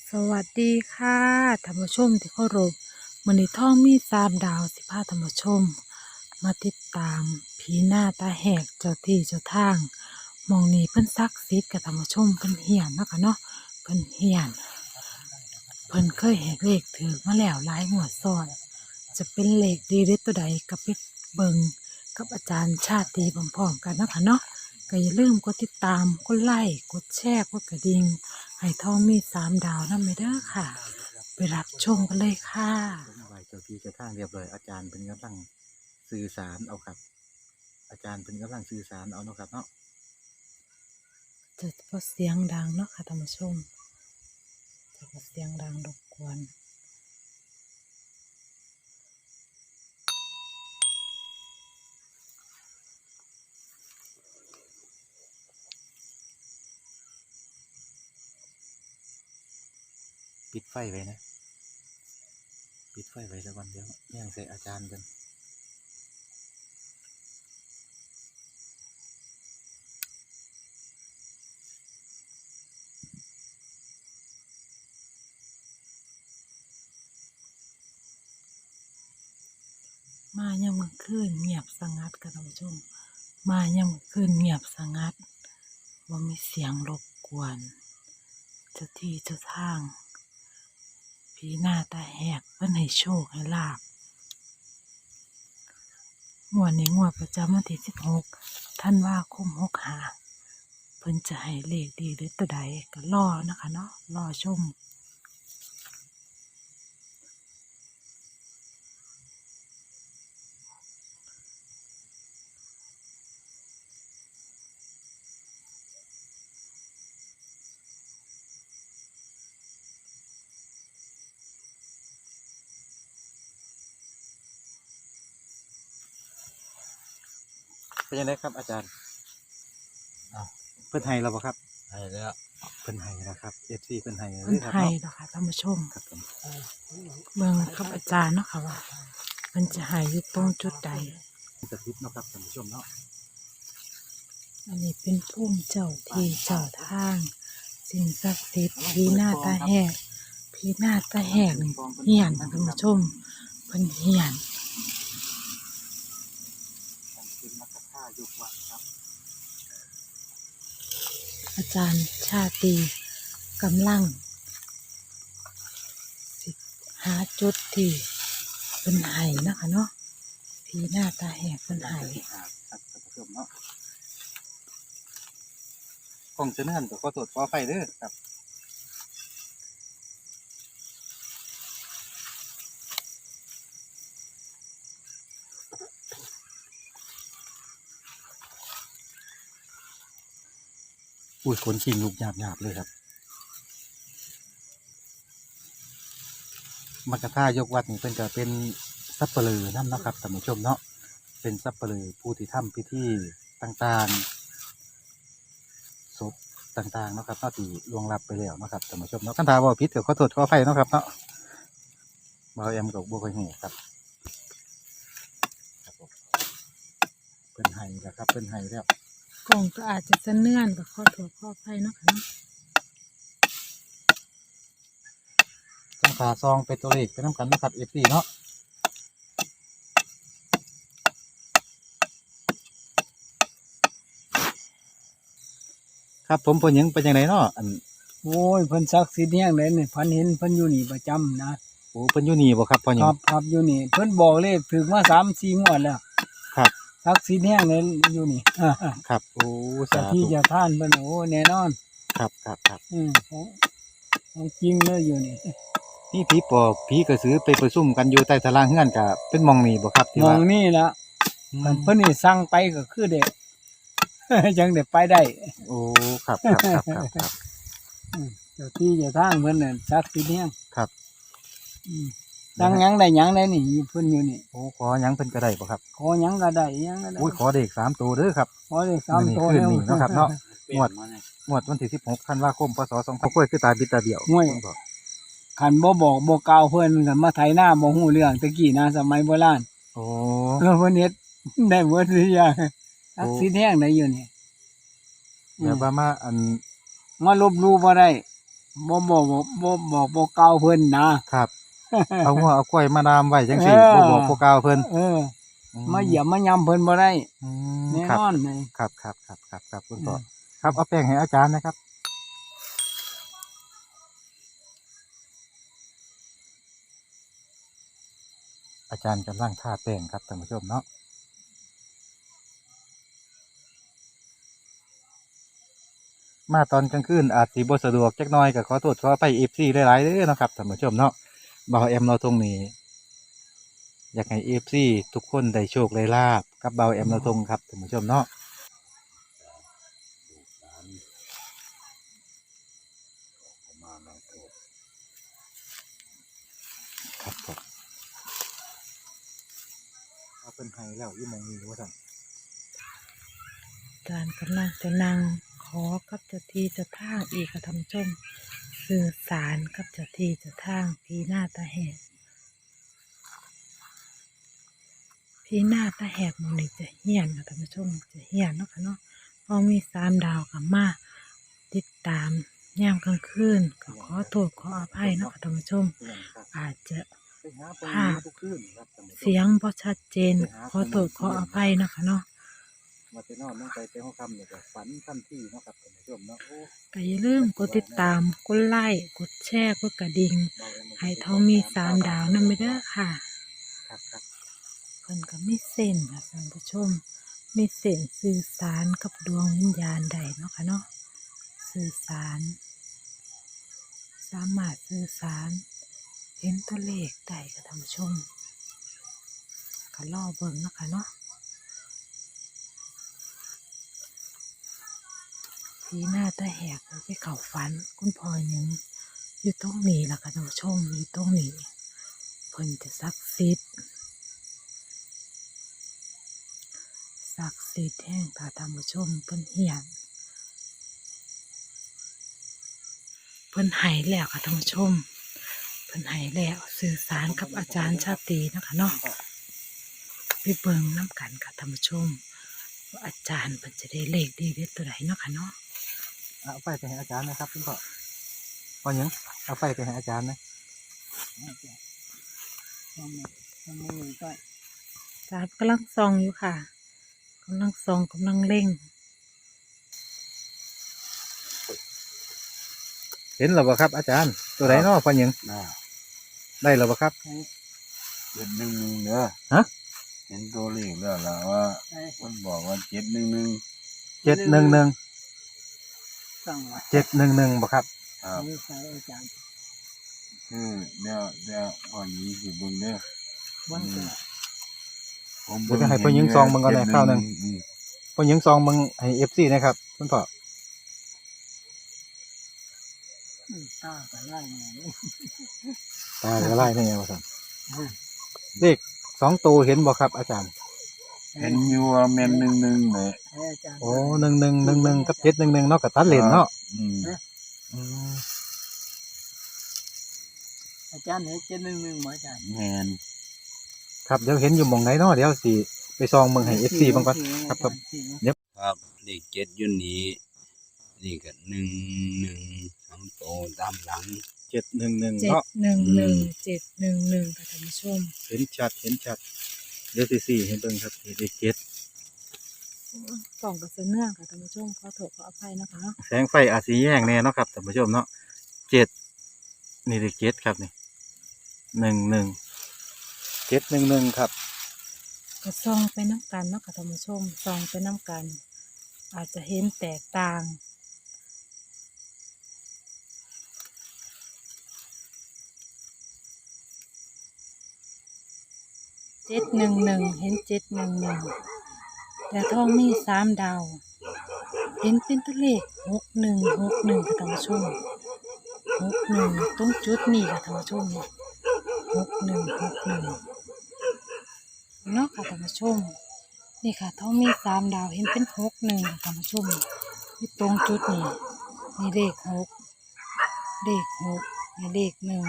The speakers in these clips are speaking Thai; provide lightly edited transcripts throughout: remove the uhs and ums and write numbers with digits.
สวัสดีค่ะท่านผู้ชมที่เคารพมื้อนี้ท่องมี3 ดาวสิพาท่านผู้ชมมาติดตามผีหน้าตาแหกเจ้าที่เจ้าทางหมองนี้เพิ่นศักดิ์สิทธิ์กับท่านผู้ชมเพิ่นเฮียนเนาะค่ะเนาะเพิ่นเฮียนเพิ่นเคยแหกเลขถือมาแล้วหลายงวดซ้อนจะเป็นเลขดีหรือตัวใดก็ไปเบิ่งกับอาจารย์ชาติพร้อมๆกันเนาะค่ะเนาะก็อย่าลืมกดติดตามกดไลค์กดแชร์กดกระดิ่งให้ท่องมี3 ดาวนำไปเด้อค่ะ ไปรับชมกันเลยค่ะไหวเจ้าที่เจ้าทางเรียบร้อยอาจารย์เป็นกำลังสื่อสารเอาครับอาจารย์เป็นกำลังสื่อสารเอาเนาะครับเนาะจะพอเสียงดังเนาะค่ะท่านผู้ชมจะพอเสียงดังรบกวนปิดไฟไว้นะปิดไฟไว้สักวันเดียวย่างใส่อาจารย์กันมายังมื้อคืนเงียบสงัดค่ะท่านผู้ชมมายังมื้อคืนเงียบสงัดบ่มีเสียงรบกวนเจ้าที่เจ้าทางผีหน้าตาแหกเพิ่นให้โชคให้ลาภงวดนี้งวดประจำวันที่16 ธันวาคม65เพิ่นจะให้เลขดีหรือตัวใดก็รอนะคะเนาะรอชมเป็นยังไงครับอาจารย์เพิ่นให้เราบ่ครับให้แล้วเพิ่นให้นะครับFCเพิ่นให้เลเพิ่นยครับให้เนาะเนาะค่ะท่านผู้ชมครับผมเบิ่งครับอาจารย์เนาะค่ะว่าเพิ่นจะให้อยู่ตรงจุดใดสถิตเนาะครับท่านผู้ชมเนาะอันนี้เป็นภูมิเจ้าที่เจ้าทางสิ่งศักดิ์สิทธิ์ผีหน้าตาแหกผีหน้าตาแหกนี่เฮียนค่ะท่านผู้ชมเพิ่นเฮียนเป็นมัคคทายกวัดครับอาจารย์ชาตรีกำลังสิหาจุดที่เพิ่นให้เนาะค่ะเนาะผีหน้าตาแหกเพิ่นให้ครับท่านผู้ชมเนาะกล้องจะเนื่อนก็ขอโทษขออภัยเด้อครับอุ้ยคนชิงลูกหยาบๆเลยครับ มัคคทายกวัดนี่เพิ่นก็เป็นสัปเหร่อนำเนาะครับท่านผู้ชมเนาะเป็นสัปเหร่อผู้ที่ทำพิธีต่างๆศพต่างๆเนาะครับเนาะที่ล่วงลับไปแล้วเนาะครับท่านผู้ชมเนาะคันถ้าเว้าผิดก็ขอโทษขออภัยเนาะครับเนาะบ่าวแอมก็บ่ค่อยฮู้ครับครับผมเพิ่นให้แล้วครับเพิ่นให้แล้วกล่องก็อาจจะสะเนื่อนกับข้อโทษข้อภัยเนาะค่ะเนาะจังขาซองเป็นตัวเลขไปนํกันเนาะครับ FC เนาะครับผมเพิ่นหยังเป็นจังไดเนาะอันโอ้ยเพิ่นศักดิ์สิทธิ์แฮงเลยนี่พันเห็นเพิ่นอยู่นี่ประจำนะโอ้เพิ่นอยู่นี่บ่ครับพ่อหคยังรับครับอยู่นี่เพิ่นบอกเลขถึงมา3-4งวดแล้วครับศักดิ์สิทธิ์แฮงเลยอยู่นี่ครับโอ้เจ้าสาที่ธุเจ้าท่านเพิ่นโอ้แน่นอนครับครับครับของจริงเลยอยู่นี่นี่ผีปอบผีกระสือไปประชุมกันอยู่ใต้ตารางเฮือนกับเป็นหมองนี่บ่ครับที่มอว่างนี่ละอืคันมเพิ่นนี่สั่งไปก็คือเด็ก จังได้ไปได้โอ้ครับครับครับครับครับเจ้าที่เจ้าทางเพิ่นน่ะศักดิ์สิทธิ์แฮงครับอืมสั่งหยังได้หยังได้นี่เพิ่นอยู่นี่โอ้ขอหยังเพิ่นก็ได้บ่ครับขอหยังก็ได้หยังก็ได้อุ้ยขอเด็ก3ตัวเด้อครับขอเลข3ตัวมื้อนี้คืนนี้เนาะครับเนาะ งวดมาเนี่ยงวดวันที่16ธันวาคมพศ2500กล้วยคือตาบิดตาเดียวห่วยเพิ่นบอกคันบ่บอกบ่กล่าวเพิ่นกันมาไถหน้าบ่ฮู้เรื่องตะกี้นะสมัยโบราณโอ้เพิ่นเฮ็ด ได้หมดทุกอย่างศักดิ์สิทธิ์แฮงได้อยู่นี่แบบว่ามาอันมาลบหลู่บ่ได้บอกบ่กล่าวเพิ่นนะครับเอางัวเอากล้วยมาดามไว้จังซี่บ่บอกบ่กล่าวเพิ่นเออมาเหยียบมายำเพิ่นบ่ได้อืมแน่ครับนอนเลยครับคุณพ่อครับเอาแป้งให้อาจารย์นะครับ อาจารย์กำลังทาแป้งครับท่านผู้ชมเนาะมาตอนกลางคืนอาจสิบ่สะดวกจักหน่อยก็ขอโทษขอไป FC หลายๆเด้อเนาะครับท่านผู้ชมเนาะบ่าวแอมเราตรงนี้ อยากให้ FC ทุกคนได้โชคได้ลาบกับบ่าวแอมเราตรงครับท่านผู้ชมเนาะครับผมเอาเป็นไห้แล้วอยู่หมองนี้ว่าซั่นอาจารย์กำลังจะนั่งขอกับเจ้าที่เจ้าทางอีกค่ะท่านผู้ชมสื่อสารกับเจ้าที่เจ้าทางพี่หน้าตาแหกพี่หน้าตาแหกมันนี่จะเฮี้ยนค่ะท่านผู้ชมจะเฮี้ยนเนาะค่ะเนาะพอมี3 ดาวกับมาติดตามยามกลางคืนก็ขอโทษขออภัยเนาะค่ะท่านผู้ชมอาจจะภาพเสียงบ่ชัดเจนขอโทษขออภัยเนาะค่ะเนาะมาไปนอนนั่งไปเต้ห้องคำเนี่ยก็ฝันทันทีเนาะครับท่านผู้ชมเนาะโอ้ก็อย่าลืมกดติดตาม กดไลค์ กดแชร์ กดกระดิ่ง ให้ทองมี3 ดาวนั่นไม่ได้อค่ะครับเพิ่นก็มีเส้นค่ะท่านผู้ชม มีเส้นสื่อสารกับดวงวิญญาณใดเนาะค่ะเนาะ สื่อสาร สามารถสื่อสาร เห็นตัวเลขได้ค่ะท่านผู้ชมก็รอเบิ่งเนาะค่ะเนาะ สีหน้าตาแหกไปเข้าฝันคุณพ่อหยังอยู่ตรงนี้ล่ะค่ะท่านผู้ชมอยู่ตรงนี้เพิ่นจะศักดิ์สิทธิ์แห่งค่ะท่านผู้ชมเพิ่นเฮียนเพิ่นให้แล้วค่ะท่านผู้ชมเพิ่นให้แล้วสื่อสารกับอาจารย์ชาตรีนะคะเนาะไปเบิ่งน้ำกันค่ะท่านผู้ชมว่าอาจารย์เพิ่นจะได้เลขดีเด็ดตัวไหนเนาะค่ะเนาะเอาไฟไปให้อาจารย์นะครับคุณพ่อพ่อหยังเอาไฟไปให้อาจารย์นะทำมือก็อาจารย์กำลังส่องอยู่ค่ะกำลังส่องกำลังเล่งเห็นหรือเปล่าครับ อาจารย์ตัวไหนเนาะพ่อหยังได้หรือเปล่าครับ 711เด้อฮะเห็นตัวเลขแล้วล่ะว่ามันบอกว่า711 711 สั่งว่า 711บ่ครับครับไม่ใช่อาจารย์คือเดี๋ยวพอนี้สิเบิ่งเด้อวันเกิดผมเดี๋ยวจะให้พ่อหญิงซองเบิ่งก่อนแหน่คราวหนึ่ง พ่อหยังซองเบิ่งให้ FC นะครับคุณพ่อตาก็ไล่มาตาก็ไล่นี่ไงว่าซั่นเลข2ตัวเห็นบ่ครับอาจารย์เห็นอยู่ว่าแม่น11แหละอาจารย์โอ้1111กับ711เนาะก็ตัดเลนเนาะอืมอืมอาจารย์เห็น711หมออาจารย์แม่นครับเดี๋ยวเห็นอยู่หม่องไหนเนาะเดี๋ยวสิไปซองเบิ่งให้ FC เบิ่งก่อนครับครับเลข7อยู่นี้นี่ก็11 3โตวตามหลัง 711 711 เนาะ 711ค่ะท่านผู้ชมเห็นชัดเดี๋ยวสิให้เบิ่งครับเลข7 ส่องกับเสื้อเนื่องค่ะท่านผู้ชมขอโทษขออภัยนะคะแสงไฟอาจสิแย่งแน่เนาะครับท่านผู้ชมเนาะ7นี่เลข7ครับนี่711ครับก็ส่องไปน้ำกันเนาะค่ะท่านผู้ชมส่องไปน้ำกัน อาจจะเห็นแตกต่าง711เห็น711แต่ทองมี3 ดาว เห็นเป็นตัวเลข6161ค่ะท่านผู้ชม61ตรงจุดนี้ค่ะท่านผู้ชม6161เนาะค่ะท่านผู้ชมนี่ค่ะทองมี3 ดาวเห็นเป็น61ค่ะท่านผู้ชมนี่ตรงจุดนี้มีเลข6มีเลข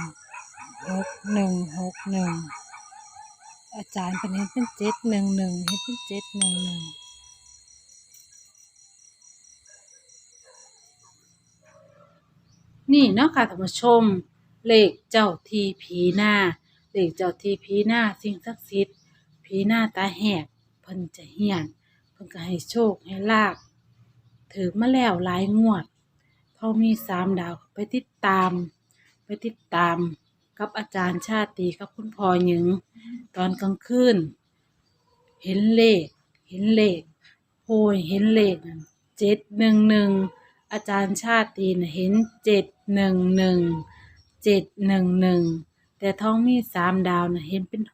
16161อาจารย์เป็นเห็นเป็น711เห็นเป็น711 นี้เนาะค่ะท่านผู้ชมเลขเจ้าทีผีหน้าเลขเจ้าทีผีหน้าสิ่งศักดิ์สิทธิ์ผีหน้าตาแหกเพิ่นจะเฮียนเพิ่นก็ให้โชคให้ลาภถือมาแล้วหลายงวดเขามี3 ดาวไปติดตามกับอาจารย์ชาติกับคุณพ่อหญิงตอนกลางคืนเห็นเลขโอ้ยเห็นเลขนั่น711อาจารย์ชาติน่ะเห็น711แต่ท้องมี3 ดาวน่ะเห็นเป็น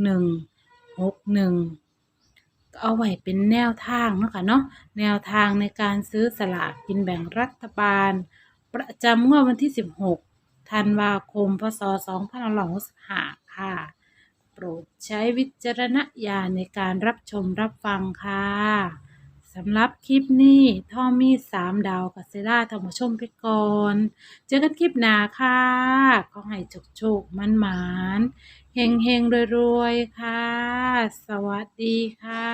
61ก็เอาไว้เป็นแนวทางเนาะค่ะเนาะแนวทางในการซื้อสลากกินแบ่งรัฐบาลประจำงวดวันที่16ธันวาคมพศ2565ค่ะโปรดใช้วิจารณญาณในการรับชมรับฟังค่ะสำหรับคลิปนี้ท่อมี3 ดาวกับเซล่าท่านผู้ชมไปก่อนเจอกันคลิปหน้าค่ะขอให้โชคมันๆเฮงๆรวยๆค่ะสวัสดีค่ะ